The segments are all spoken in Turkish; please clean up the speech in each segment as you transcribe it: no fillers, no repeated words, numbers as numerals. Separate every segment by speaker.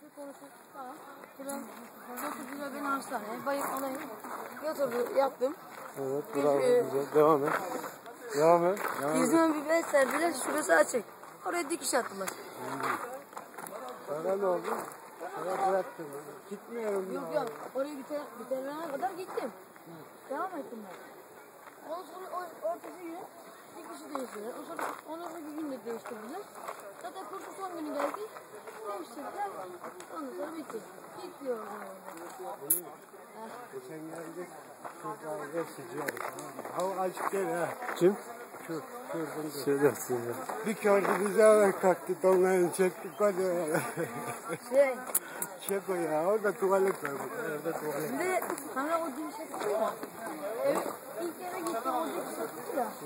Speaker 1: konuşup falan. Buradan götürdüler beni hastaneye. Bayık alayım. Yattım.
Speaker 2: Evet, bravo, güzel. Devam et. Devam et.
Speaker 1: Yüzüme bir bez serdiler, şurası açık. Oraya dikiş attılar.
Speaker 2: Sana ne oldu? Sana bıraktım. Gitmiyorum.
Speaker 1: Yok. Oraya biterene kadar gittim. Devam ettim ben. Ondan sonra ortası gün dikişi değiştirdiler. Ondan sonra bir gün de değiştirdiler. Zaten kursu son günü geldi. Değiştirdiler. Ondan sonra bitti. Bitiyor o zaman.
Speaker 2: Geçen geldik. Kızlar geçici. Hava açık değil ha. Kim? Şu. Şey dersin ya. Bir gördü bize ayak kalktı. Donlarını çektik. Hadi. Çek o ya. Orada tuvalet var. Orada tuvalet.
Speaker 1: Bir de hani o dikiş attı ya. Evet. İlk yere gittim o dikiş attı ya.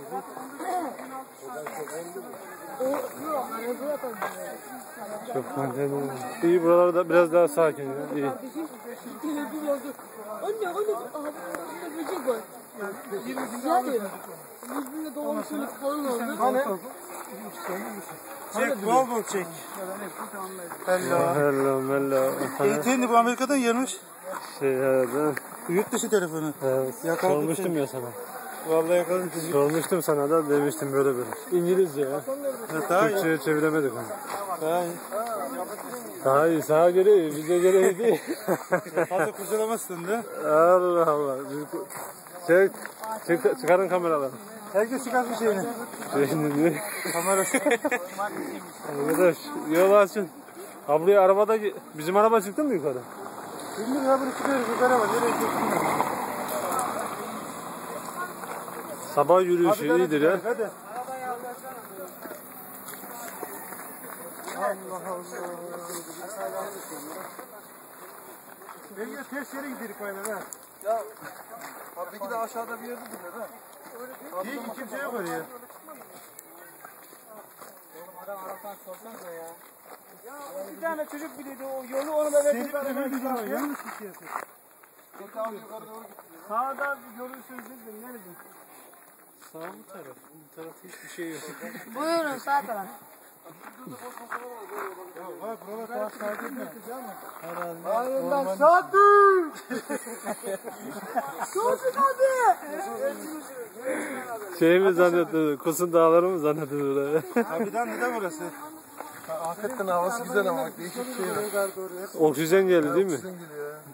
Speaker 1: Yok. Hani buraya kaldı.
Speaker 2: Çok mantıklı. İyi, buralarda biraz daha sakin ya. İyi.
Speaker 1: Anne, aha burada böcek var. Güzel diyor. Yüzünde doğumsuzluk falan oldu.
Speaker 3: Hani? Çek, bol bol çek.
Speaker 2: Hello.
Speaker 3: Eğitimini bu Amerika'dan gelmiş.
Speaker 2: Evet.
Speaker 3: Yurt dışı telefonu.
Speaker 2: Evet. Sormuştum ya sana.
Speaker 3: Vallahi yakaladım sizi.
Speaker 2: Sormuştum sana da, demiştim böyle. İngilizce ya.
Speaker 3: Daha iyi.
Speaker 2: Türkçe'ye çeviremedik onu.
Speaker 3: Daha iyi.
Speaker 2: Daha iyi, sağa göre iyi, bize göre iyi değil.
Speaker 3: Fazla kurcalamazsın da.
Speaker 2: Allah Allah. Çıkarın kameraları.
Speaker 3: Herkes çıkarsın şeyini.
Speaker 2: Şimdi
Speaker 3: Kamerası.
Speaker 2: arkadaş, yol açın. Ha, buraya arabada, bizim araba çıktı mı yukarı?
Speaker 3: Şimdi ya bunu çıkıyoruz yukarı var. Nereye çıkıyorsun?
Speaker 2: Sabah yürüyüşü iyidir ya.
Speaker 3: Hadi. Allah Allah. Belki ters yere gidelim böyle ha. Ya peki de aşağıda bir yerde duruyor ha. Değil ki kimse yok oraya. Ya bir tane çocuk biliyordu o yolu, onu da verdik. Yanlış bir şey. Sağda görürsünüz dedim. Nerede?
Speaker 2: Sağ mı taraf? Bu taraf hiçbir şey yok.
Speaker 1: Buyurun sağ taraf.
Speaker 3: Ya bak buralar daha sakin mi?
Speaker 2: Herhalde.
Speaker 3: Hayır ben sakin.
Speaker 2: Şey mi zannettin? Kusun dağları mı zannettin öyle?
Speaker 3: Abiden neden burası? Hakikaten havası güzel ama bak değişik bir şey var.
Speaker 2: Oksijen geldi değil mi?
Speaker 3: Oksijen geliyor ya.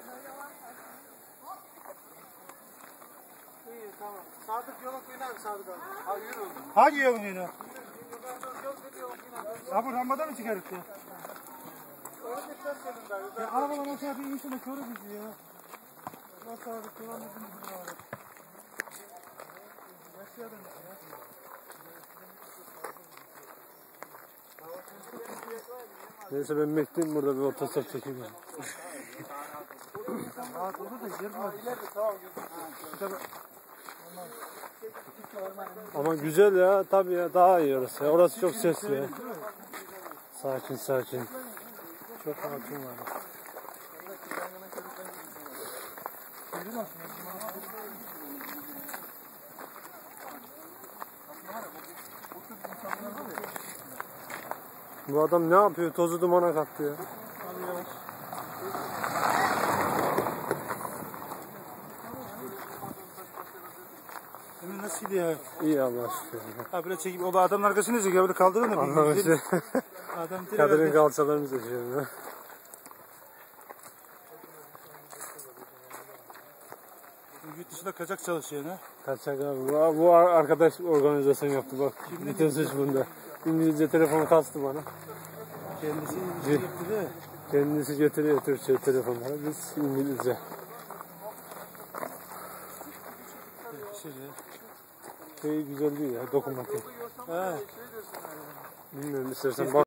Speaker 3: İyi tamam. Sadık yola koyun abi Sadık abi. Ha yürü. Hangi yolun yine? Ha bu rambadan mı çıkarıp ya? Ya arabadan aşağı bir inşallah körü bizi ya. Nasıl Sadık kullanmadın mı bunu abi? Yaşayalım ya.
Speaker 2: Neyse ben bekleyeyim burada, bir otostop çekeyim.
Speaker 3: Rahat olur da yer var. İleride tamam.
Speaker 2: Ama güzel ya, tabii ya, daha iyi orası ya. Orası çok sesli ya. Sakin. Çok hakim var. Bu adam ne yapıyor? Tozu dumana kattı ya.
Speaker 3: Hemen nasıl gidiyor?
Speaker 2: İyi Allah şükür.
Speaker 3: Ha böyle çekip o adamın arkasını izliyor. Böyle kaldırın da.
Speaker 2: Anlamıştı.
Speaker 3: Adam
Speaker 2: Kadının kalçalarını seçiyorum ya.
Speaker 3: yurt dışında kaçak çalışıyor ha.
Speaker 2: Kaçak abi. Bu arkadaş organizasyon yaptı bak. Bütün suç bunda. İngilizce telefonu kastı bana.
Speaker 3: Kendisi İngilizce yaptı da.
Speaker 2: Kendisi getiriyor Türkçe telefonları. Biz İngilizce. Şey güzel değil ya, dokunmatik.
Speaker 3: Ha.
Speaker 2: Bilmiyorum, istersen bak.